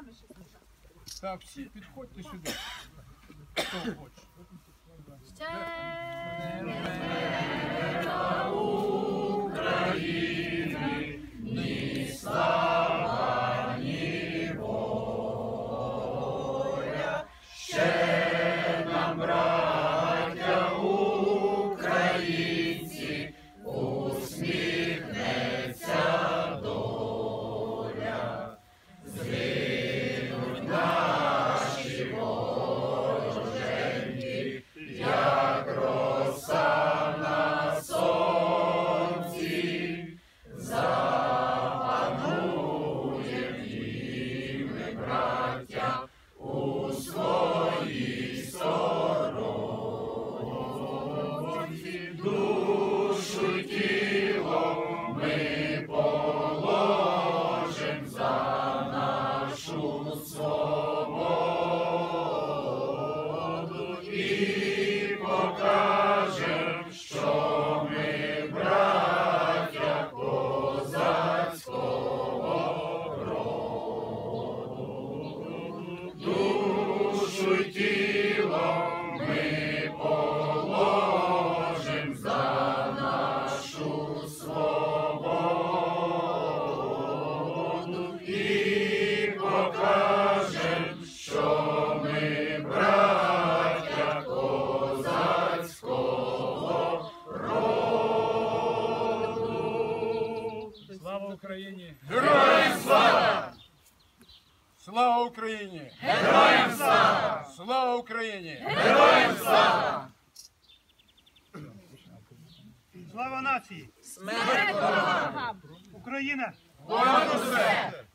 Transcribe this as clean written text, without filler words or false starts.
нами щось сказати. Так, всі підходьте сюди. Хто хоче. Ще України, ні слава, ні воля, ще нам, браття українці, усміхнеться доля. Згинуть наші вороженьки, як роса на сонці, запануєм і ми, браття, у своїй сторонці. Душу й тіло ми положим за нашу свободу і покажем, що ми браття козацького роду. Душу й тіло ми положим за нашу свободу і покажем, що ми браття козацького роду. Слава Україні! Героям слава! Слава Україні! Героям слава! Слава Україні! Героям слава! Слава нації! смерть ворогам! Україна! Понад усе!